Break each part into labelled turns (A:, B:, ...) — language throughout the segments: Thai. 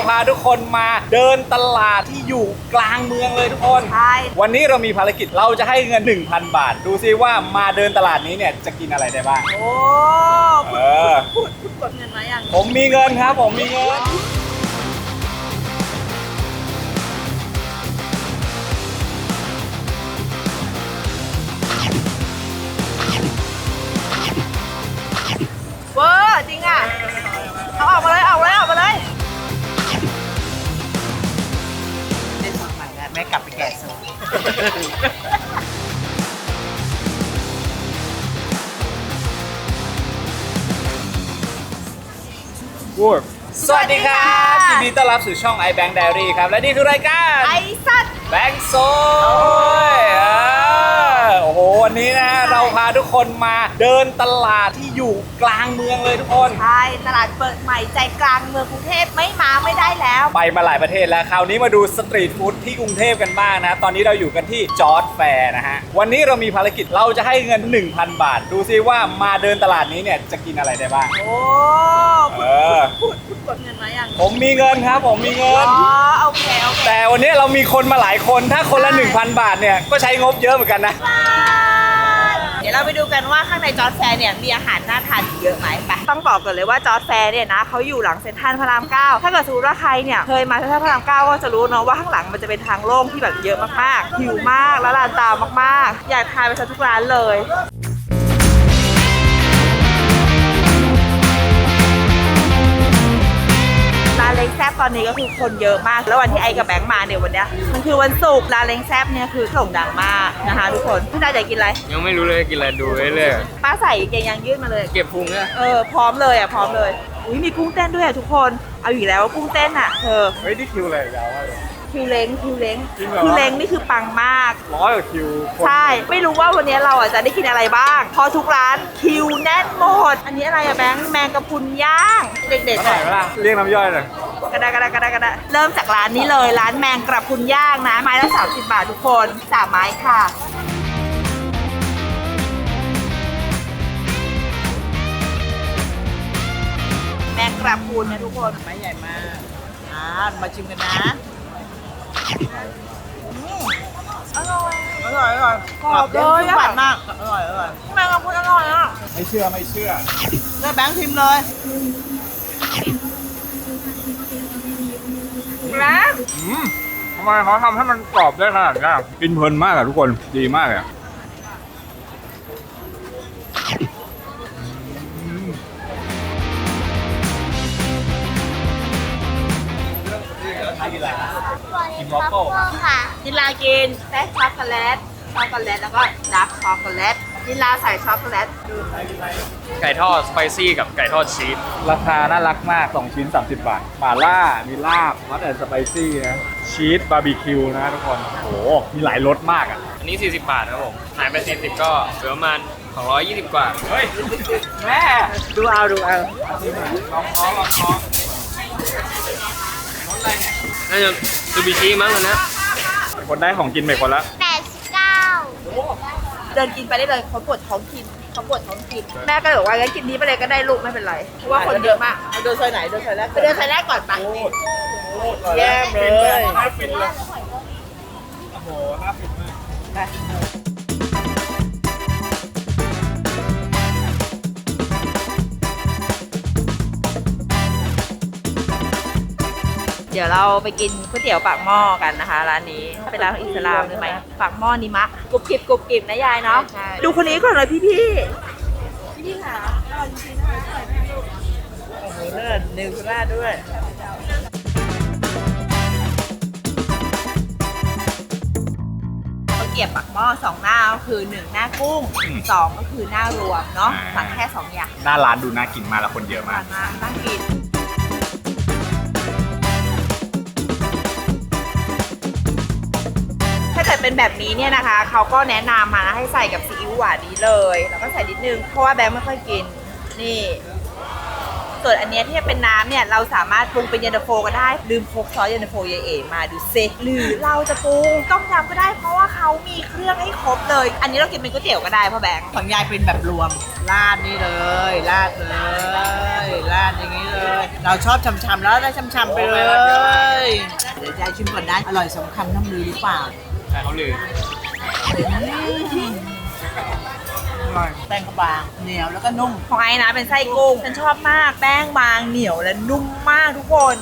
A: พาทุกคนมาเดินตลาดที่อยู่กลางเมืองเลยทุกคน
B: ใช่
A: วันนี้เรามีภารกิจเราจะให้เงิน 1,000 บาทดูซิว่ามาเดินตลาดนี้เนี่ยจะกินอะไรได้บ้าง
B: โอ้พูดกดเงินมาอย่าง
A: ผมมีเงินครับผมมีเงิน
B: เวอร์จริงอ่ะเอาออกมาเลยออกมาเลยได้สูตรใหม่แล้วแม่กลับไปแกะสูตร
A: สวัสดีครับยินดีต้อนรับสู่ช่อง iBank Diary ครับและนี่คือรายการ
B: ไอ้สัตว์
A: แบงค์โซยโอ้โหวันนี้นะเราพาทุกคนมาเดินตลาดที่อยู่กลางเมืองเลยทุกคน
B: ใช่ตลาดเปิดใหม่ใจกลางเมืองกรุงเทพไม่ได้แล้ว
A: ไปมาหลายประเทศแล้วคราวนี้มาดูสตรีทฟู้ดที่กรุงเทพกันบ้างนะตอนนี้เราอยู่กันที่จอร์จแฟร์นะฮะวันนี้เรามีภารกิจเราจะให้เงิน 1,000 บาทดูซิว่ามาเดินตลาดนี้เนี่ยจะกินอะไรได้บ้าง
B: โอ้พูดกดเงินมาอย่าง
A: ผมมีเงินครับผมมีเงิน
B: โอเค
A: แต่วันนี้เรามีคนมาหลายคนถ้าคนละ 1,000 บาทเนี่ยก็ใช้งบเยอะเหมือนกันนะ
B: เดี๋ยวเราไปดูกันว่าข้างในจอร์จแฟร์เนี่ยมีอาหารน่าทานเยอะไหมไปต้องบอกก่อนเลยว่าจอร์จแฟร์เนี่ยนะเขาอยู่หลังเซ็นทรัลพระราม 9ถ้าเกิดสมมติว่าใครเนี่ยเคยมาเซ็นทรัลพระราม 9ก็จะรู้เนาะว่าข้างหลังมันจะเป็นทางโล่งที่แบบเยอะมากๆหิวมากแล้วร้านตามมากๆอยากทานไปซะทุกร้านเลยร้านเล้งแซบตอนนี้ก็คือคนเยอะมากแล้ววันที่ไอกับแบงค์มาเนี่ยวันเนี้ยมันคือวันศุกร์ร้านเล้งแซบเนี่ยคือโด่งดังมากนะคะทุกคนพี่นายอยากกินอะไร
C: ยังไม่รู้เลยกินอะไรดูเรื่อย
B: ป้าใส่เกงยางยืดมาเลย
C: เก็บพุงเนี่ย
B: พร้อมเลยพร้อมเลยอุ้ยมีกุ้งเต้นด้วยทุกคนเอาอยู่แล้วกุ้งเต้นเธอ
A: เฮ้ยนี่คิวอะไรยาวมากเลย
B: คิวเล้งคือเล้งนี่คือปังมาก
A: 100 กว่าคิว
B: ใช่ไม่รู้ว่าวันนี้เราจะได้กินอะไรบ้างพอทุกร้านคิวแน่นหมดอันนี้อะไรอะแบงค์แมงกะพรุนย่างเด็กๆ
A: หน่อยเวลาเรียกน้ำย่อยเลย
B: กระดาเริ่มจากร้านนี้เลยร้านแมงกระพรุนย่างนะไม้ละ30 บาททุกคน3 ไม้ค่ะแมงกระพรุนนะทุกคนไม้ใหญ่มากมาชิมกันนะอร่อยกรอบเลยหวานมากอร่อยแมงกะพรุนอร่อยอ่ะ
A: ไม่เชื่อ
B: เลยแบงค์ชิมเลยแล้ว
A: ทำไมเขาทำให้มันกรอบได้ขนาดนี้กินเพลินมากอะทุกคนดีมากเลย
D: กินวอฟเฟิลค่ะ
B: นิลากินแป้งช็อกโกแลตแล้วก็ดาร์กช็อกโกแลตนิลาใส่ช็อกโกแลต
C: ไก่ทอดสไปซี่กับไก่ทอดชีส
A: ราคาน่ารักมาก2 ชิ้น 30 บาทหม่าล่ามีลาบฮอตแอนด์สไปซี่นะชีสบาร์บีคิวนะทุกคนโอ้โหมีหลายรสมากอ่ะ
C: อันนี้40 บาทครับผมหายไป40ก็เหลือประมาณ220 กว่า
A: เฮ้ยแม่
B: ดูเอา
A: ลองท้องรสอะไรเนี่ย
C: น่าจะซูบิชิมั้งนะ
A: คนได้ของกินไปคนละ
D: 89
B: เดินกินไปได้เลยเขาปวดท้องกินแม่ก็เลยบอกว่างั้นกินนี้ไปเลยก็ได้ลูกไม่เป็นไรเพราะว่าคนเยอะมากเดินซอยไหนเดินซอยแรกไปเดินซอยแรกก่อนปะแย่เลย
A: น่าฟินเลยโอ้โหน่าฟินมาก
B: เดี๋ยวเราไปกินก๋วยเตี๋ยวปากหม้อกันนะคะร้านนี้เป็นร้านของอิสลามใช่ไหมปากหม้อนิมะกรุบกริบนะยายเนาะดูคนนี้ก่อนเลยพี่ค่ะอร่อยจริงๆนะคะอร่อยมากลูกโอ้โหเลิศนิวซิแลนด์ด้วยก๋วยเตี๋ยวปากหม้อ2 หน้าก็คือ1 หน้ากุ้ง2ก็คือหน้ารวมเนาะสั่งแค่2 อย่าง
A: หน้าร้านดูน่ากินมากแล้วคนเยอะมาก
B: น่ากินถ้าเกิดเป็นแบบนี้เนี่ยนะคะเขาก็แนะนำมาให้ใส่กับซีอิ๊วหวานนี้เลยแล้วก็ใส่นิดนึงเพราะว่าแบงค์ไม่ค่อยกินนี่ส่วนอันเนี้ยที่เป็นน้ำเนี่ยเราสามารถปรุงเป็นเย็นตาโฟก็ได้ลืมพกซอสเย็นตาโฟยายเอ๋มาดูซิหรือเราจะปรุงต้มยำก็ได้เพราะว่าเขามีเครื่องให้ครบเลย อันนี้เรากินเป็นก๋วยเตี๋ยวก็ได้พ่อแบงค์ของยายเป็นแบบรวมราดนี่เลยราดอย่างนี้เลย เราชอบช่ำๆแล้วได้ช่ำๆไปเลยเดี๋ยวยายชิมก่อนได้อร่อยสมคำน้ำลือหรือเปล่า
C: ใช่เขาลือ
B: แป้งก็บางเหนียวแล้วก็นุ่มของไอ้นะเป็นไส้กุ้งฉันชอบมากแป้งบางเหนียวและนุ่มมากทุกคน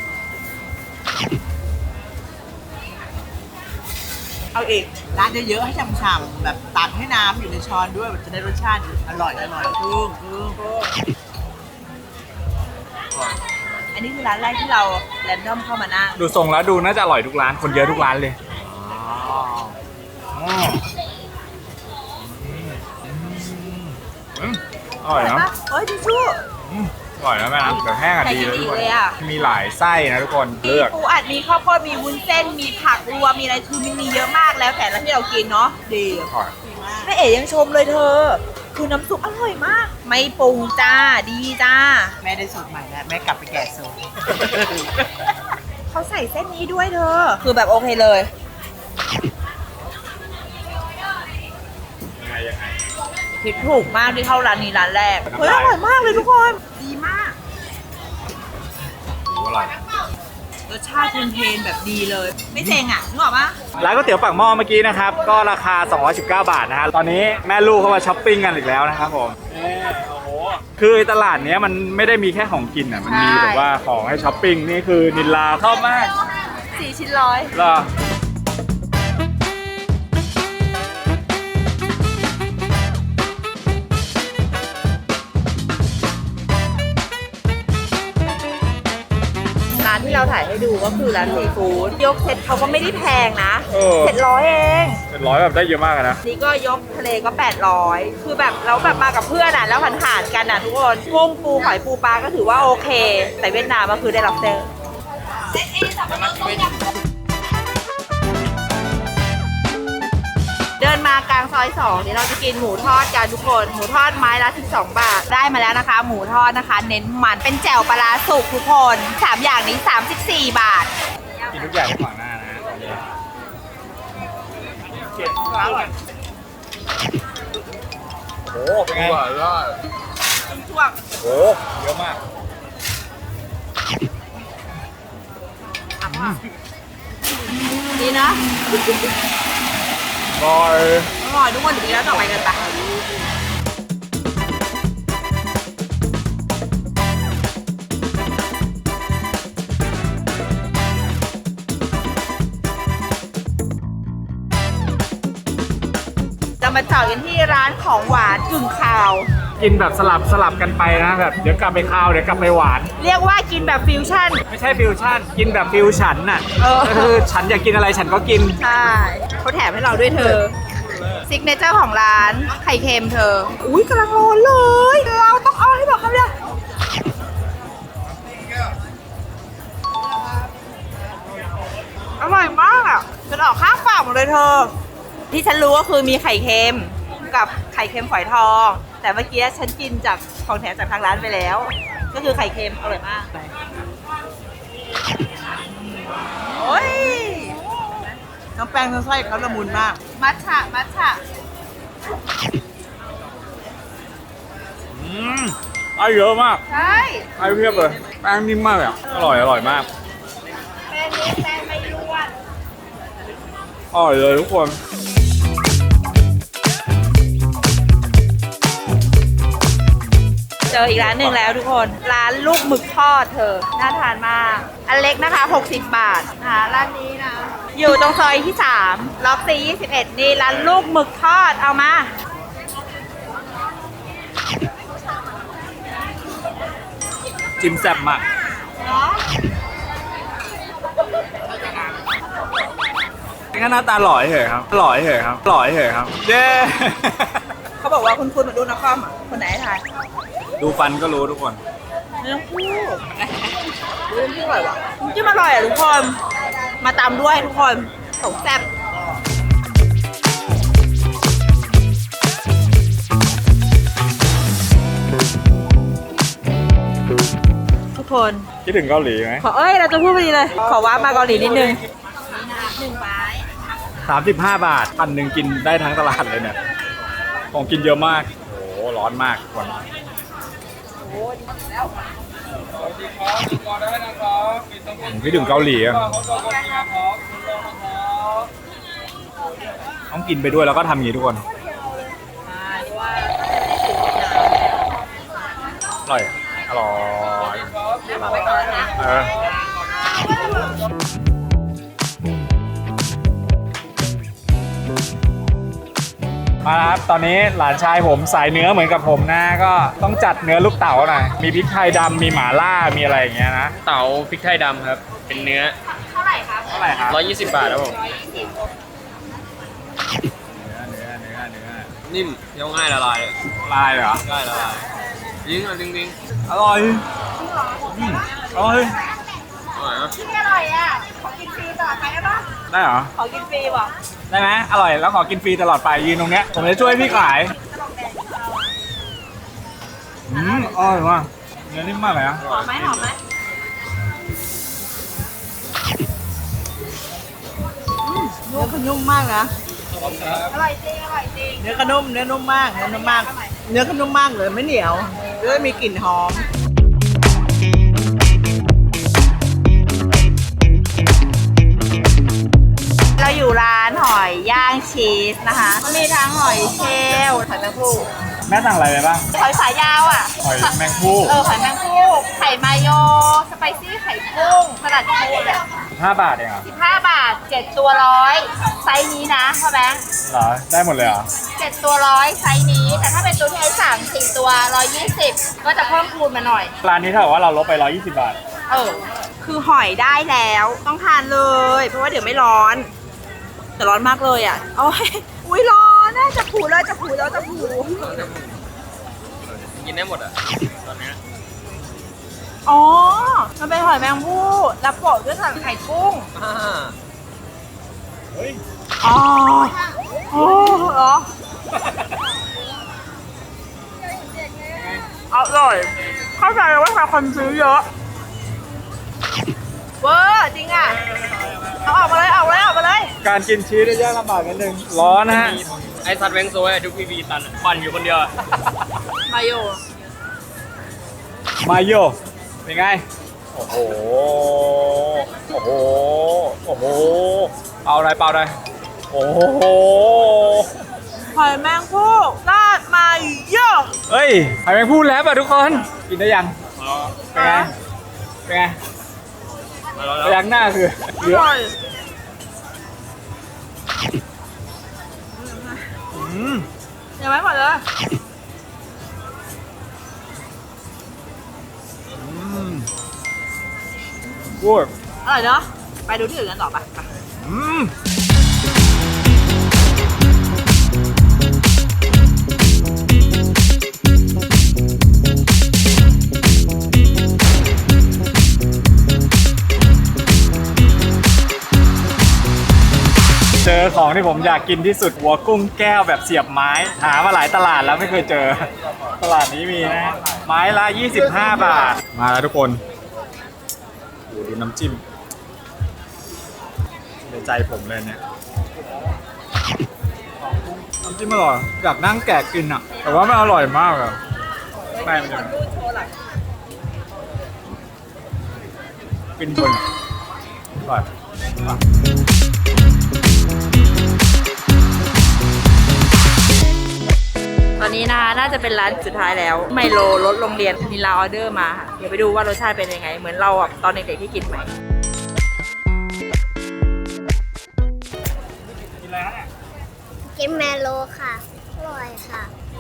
B: เอาอีกร้านเยอะๆให้ฉ่ำๆแบบตักให้น้ำอยู่ในช้อนด้วยแบบจะได้รสชาติอร่อยกุ้งอันนี้คือร้านแรกที่เราแรนดอมเข้ามานั่ง
A: ดูทรงแล้วดูน่าจะอร่อยทุกร้านคนเยอะทุกร้านเลยอร่อยนะ
B: เฮ้ยทิชชู่
A: อร่อยนะแม่นะแบบแห้งอ่ะดีเลยทุกคนมีหลายไส้นะทุกคนเลือก
B: ปูอัดมีข้าวโพดมีวุ้นเส้นมีผักรวมมีอะไรคือมีเยอะมากแล้วแต่ละที่เรากินเนาะดี
A: อร่อย
B: แม่เอ๋ยังชมเลยเธอ คือน้ำซุปอร่อยมาก ไม่ปรุงจ้าดีจ้าแม่ได้สูตรใหม่แล้วแม่กลับไปแกะสูตร เขาใส่เส้นนี้ด้วยเธอ คือแบบโอเคเลย
A: ยังไง
B: ผิดถูกมากที่เข้าร้านนี้ร้านแรกเฮ้ยอร่อยมากเลยทุกคนดีมาก
A: อร่อย
B: รสชาติเพลนๆแบบดีเลย ไม่เซ็งอ่ะนึกออกปะ
A: ร้านก๋วยเตี๋ยวปากหม้อเมื่อกี้นะครับก็ราคา219 บาทนะฮะตอนนี้แม่ลูกเข้ามาช้อปปิ้งกันอีกแล้วนะครับผมคือตลาดเนี้ยมันไม่ได้มีแค่ของกินอ่ะมันมีแบบว่าของให้ช้อปปิ้งนี่คือนิลลาชอบมาก
B: 4 ชิ้นร้อย
A: เหรอ
B: ร้านที่เราถ่ายให้ดูก็คือร้านซีฟู้ดยกเซ็ตเขาก็ไม่ได้แพงนะ 700 เอง
A: 700แบบได้เยอะมากนะ
B: นี่ก็ยกทะเลก็ 800 คือแบบเราแบบมากับเพื่อนอ่ะแล้วผ่านๆกันอ่ะทุกคนกุ้งปูหอยปูปลาก็ถือว่าโอเค แต่เวียดนามก็คือได้รับเซอร์เดินมากลางซอย2เดี๋ยวเราจะกินหมูทอดกันทุกคนหมูทอดไม้ละ12 บาทได้มาแล้วนะคะ หมูทอดนะคะ เน้นมันเป็นแจ่วปลาร้าสุกทุกคน3อย่างนี้34 บาท
A: กินทุกอย่างขวางหน้านะตอนนี้เจ็ดร้อยโอ้เป็นไง
B: ช่วง
A: โอ้เยอะมาก
B: ดีนะ
A: บอย
B: อร่อยทุกคนเดี๋ยวเราต่อไปกันปะเรามาต่อกันที่ร้านของหวานกึ่งคาว
A: กินแบบสลับกันไปนะแบบเดี๋ยวกลับไปคาวเดี๋ยวกลับไปหวาน
B: เรียกว่ากินแบบฟิวชั่น
A: ไม่ใช่ฟิวชั่นกินแบบฟิวฉันน่ะ
B: เออ
A: ก็คือฉันอยากกินอะไรฉันก็กิน
B: ใช่เขาแถมให้เราด้วยเธอซิกเนเจอร์ของร้านไข่เค็มเธอ อุ้ยกำลังร้อนเลย เราต้องเอาให้บอกเขาเลยอร่อยมากอ่ะฉันออกข้างฝากหมดเลยเธอ ที่ฉันรู้ก็คือมีไข่เค็มกับไข่เค็มฝอยทอง แต่เมื่อกี้ฉันกินจากของแถมจากทางร้านไปแล้ว ก็คือไข่เค็มอร่อยมากโอ้ยน้ำแป้งน้ำไส้เขาละมุนมาก มัทฉะ
A: ได้เยอะมาก
B: ใช่
A: ได้เพียบเลยแป้งนิ่มมากเลยอะอร่อยมาก
B: แป้งนี้แป้งไม่ร่วน
A: อร่อยเลยทุกคน
B: เจออีกร้านหนึ่งแล้วทุกคน ร้านลูกหมึกทอดเธอ น่าทานมาก อันเล็กนะคะ 60 บาทนะคะร้านนี้นะ อยู่ตรงซอยที่ 3 ล็อกซี21 นี่ร้านลูกหมึกทอด เอามา
A: จิ้มแซ่บมากก็หน้าตาหล่อเฉยครับหล่อเฉยครับเย้
B: เขาบอกว่าคุณเหมือนดูนักคอมอ่ะ คนไหนทาน
A: ดูฟันก็รู้ทุกคน
B: ไม่ต้องพูดดูน้ำจิ้มอร่อยว่ะน้ำจิ้มอร่อยอ่ะทุกคน มาตามด้วยทุกคนสมแซ่บคน
A: คิดถึงเกาหลีไหม
B: เราจะพูดพอดีเลย ขอว้ามาเกาหลีนิดนึง
A: 35 บาทพันหนึ่งกินได้ทั้งตลาดเลยเนี่ยของกินเยอะมากโอ้โหร้อนมากวันคิดถึงเกาหลีอะต้องกินไปด้วยแล้วก็ทำอย่างนี้ทุกคนอร่อยอร่อยเออมาครับตอนนี้หลานชายผมสายเนื้อเหมือนกับผมนะก็ต้องจัดเนื้อลูกเต๋าหน่อยมีพริกไทยดำมีหม่าล่ามีอะไรอย่างเงี้ยนะ
C: เต๋าพริกไทยดำครับ เป็นเนื้อ
B: เท่าไหร่ครับ
A: เท่าไหร่ครับ
C: 120 บาทครับผม
A: เนื้อ
C: นิ่มเคี้ยวง่ายละลาย
A: ลายเหรอ
C: ง่ายละลายยิงอ่ะจริง
A: อร่อยอร่อย
C: ๆอร่อยนะ
B: ที่อร่อยอ่ะ ขอกินฟรีตลอดไปได้ปะ
A: ได้เหรอ
B: ขอกินฟรีว่ะ
A: ได้ไหมอร่อยแล้วขอกินฟรีตลอดไปยืนตรงเนี้ยผมจะช่วยพี่ขายอร่อยมากเนื้อนิ่มมากเลยนะ
B: หอมไหมเนื้อขนุ่มมากนะ อร่อยจริง
E: เนื้อก็นุ่มเนื้อนุ่มมากเนื้อนุ่มมาก เนื้อก็นุ่มมากเลยไม่เหนียวแล้วมีกลิ่นหอม
B: เราอยู่ร้านหอยย่างชีสนะคะมีทั้งหอยเชลล์หอยแมงภู่
A: แม่สั่งอะไรไปบ้าง
B: หอยสายยาวอ่ะ
A: หอยแมงภู่
B: หอยแมงภู่ไข่มายโยสไปซี่ไข่กุ้งสลัดปูเนี่ย
A: 5 บาทเองเหรอ
B: 15 บาท 7 ตัว100ไซส์นี้นะพ่อแบงค์
A: เหรอได้หมดเลยเหรอ
B: 7 ตัว100ไซส์นี้ แต่ถ้าเป็นตัวที่ไอ้3-4 ตัว120ก็จะเพิ่มคูณมาหน่อย
A: ร้านนี้เท่ากับว่าเราลดไป120 บาท
B: คือหอยได้แล้วต้องทานเลย เพราะว่าเดี๋ยวไม่ร้อน แต่ร้อนมากเลยอ่ะโอ้ยอุ้ยร้อนน่าจะผูเลยจะผู
C: กินได้หมดอ่ะตอนเนี้ย
B: อ๋อ มันเป็นหอยแมงภู่แล้วโปะด้วยสันไข่กุ้ง
A: เฮ้ย
B: อ๋อโอ้เหรออร่อยเข้าใจเลยว่าทำไมคนซื้อเยอะเวอร์จริงอ่ะเอาออกมาเลย
A: การกินชีสได้ยากลำบากนิดนึงร้อนนะฮะ
C: ไอซัดแวงโซ่ทุกพีตันอะปั่นอยู่คนเดียวอะ
B: มาโย
A: มาโยเป็นไงโอ้โหเอาอะไรเปล่าได้โอ้โห
B: หอยแมงภู่ราดมาโย
A: เฮ้ยหอยแมงภู่แล้วป่ะทุกคนกินได้ยังเป็นไงเป็นไง
C: มาแล้ว
A: พยักหน้าคือเหลือ
B: ยังไม่หมดเลย
A: พูด
B: อร่อยเนาะไปดูที่อื่นกันต่อไป
A: เจอของที่ผมอยากกินที่สุดหัวกุ้งแก้วแบบเสียบไม้หามาหลายตลาดแล้วไม่เคยเจอตลาดนี้มีนะไม้ละ25 บาทมาแล้วทุกคนดูน้ำจิ้มในใจผมเลยเนี่ยน้ำจิ้มอร่อยอยากนั่งแกะกินอ่ะแต่ว่ามันอร่อยมากอ่ะแม่มันจะกินบนอร่อย
B: ตอนนี้นะคะน่าจะเป็นร้านสุดท้ายแล้วไมโลรสโรงเรียนมีลาออเดอร์มาค่ะเดี๋ยวไปดูว่ารสชาติเป็นยังไง เหมือนเราแบบตอนเด็กๆที่กินไหม
A: กินอะไรฮะเนี่ย
D: กินแมโลค่ะ อร่อยค่ะ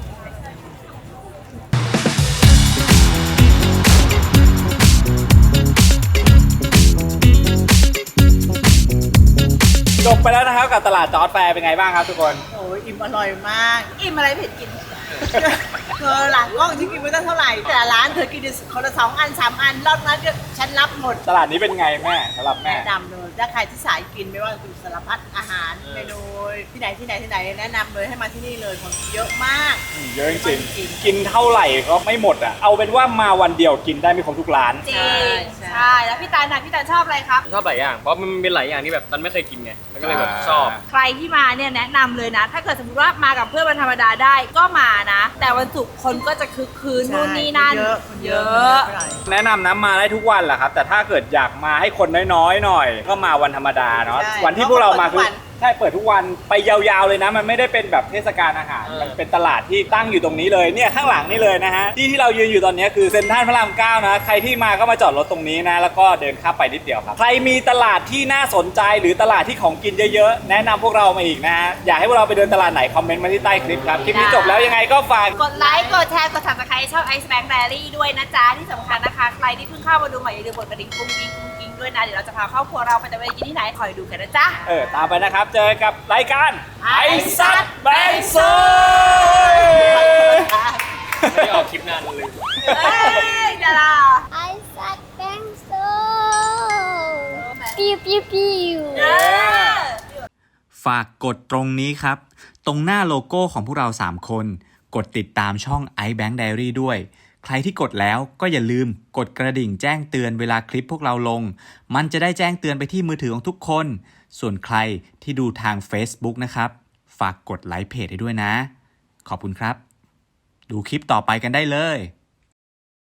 A: จบไปแล้วนะครับกับตลาดจอร์จแฟร์เป็นไงบ้างครับทุกคน
E: โอ้ยอิ่มอร่อยมาก
B: อิ่มอะไรเผ็ดกิน
E: เธอหลังกล้องฉันกินไปตั้งเท่าไหร่แต่ละร้านเธอกินคนละ2 อัน 3 อันรอบนั้นก็ฉันรับหมด
A: ตลาดนี้เป็นไงแม่สำหรับแม่
E: แนะนำเลยถ้าใครที่สายกินไม่ว่าคือสารพัดอาหารเมนูที่ไหนแนะนำเลยให้มาที่นี่เลยของเยอะมาก
A: เยอะจริงๆกินเท่าไหร่ก็ไม่หมดอ่ะเอาเป็นว่ามาวันเดียวกินได้ไม่ครบทุกร้าน
B: จริงใช่แล้วพี่ตาลน่ะพี่ตาลชอบอะไรครับ
C: ชอบหลายอย่าง เพราะมันเป็นหลายอย่างที่แบบตันไม่เคยกินไงมันก็เลยแบบชอบ
B: ใครที่มาเนี่ยแนะนำเลยนะ ถ้าเกิดสมมติว่ามากับเพื่อนวันธรรมดาได้ก็มานะ แต่วันศุกร์คนก็จะคึกคืนนู่นนี่นั่น
E: เยอะ
A: แนะนำนะมาได้ทุกวันแหละครับ แต่ถ้าเกิดอยากมาให้คนน้อยๆหน่อย ก็มาวันธรรมดาเนาะ
E: ใช่
A: วันที่พวกเรามา
E: เพราะ
A: คือ
E: เปิดทุกวัน
A: ใช่เปิดทุกวันไปยาวๆเลยนะ มันไม่ได้เป็นแบบเทศกาลอาหารมันเป็นตลาดที่ตั้งอยู่ตรงนี้เลยเนี่ยข้างหลังนี่เลยนะฮะที่เรายืนอยู่ตอนนี้คือเซ็นทรัลพระราม9นะใครที่มาก็มาจอดรถตรงนี้นะแล้วก็เดินข้ามไปนิดเดียวครับใครมีตลาดที่น่าสนใจหรือตลาดที่ของกินเยอะๆแนะนำพวกเรามาอีกนะฮะอยากให้พวกเราไปเดินตลาดไหนคอมเมนต์มาที่ใต้คลิปครับคลิปนี้จบแล้วยังไงก็ฝาก
B: กดไลค์ กดแชร์ กด subscribe ช่อง Ice Bank Diary ด้วยนะจ๊ะ ที่สำคัญนะคะ ใครที่เพิ่งเข้ามาดูใหม่อย่าลืมกดกระดิ่งกุ้งกิ้งด้วยนะ เดี๋ยวเราจะพาครอบครัวเราไปตะเวนกินที่ไหนคอยดูกันนะจ๊ะ
A: ตามไปนะครับเจอกับรายการไอซัดแบงค์โซย
C: ไม่ได้ออกคลิปนานเลย
B: เอ้ยดารา
D: ไอซัดแบงโซปิ้วปิ้วปิ้ว
F: ฝากกดตรงนี้ครับ ตรงหน้าโลโก้ของพวกเรา 3 คน กดติดตามช่อง iBank Diary ด้วย ใครที่กดแล้วก็อย่าลืมกดกระดิ่งแจ้งเตือนเวลาคลิปพวกเราลง มันจะได้แจ้งเตือนไปที่มือถือของทุกคน ส่วนใครที่ดูทาง Facebook นะครับ ฝากกดไลค์เพจให้ด้วยนะ ขอบคุณครับ ดูคลิปต่อไปกันได้เลย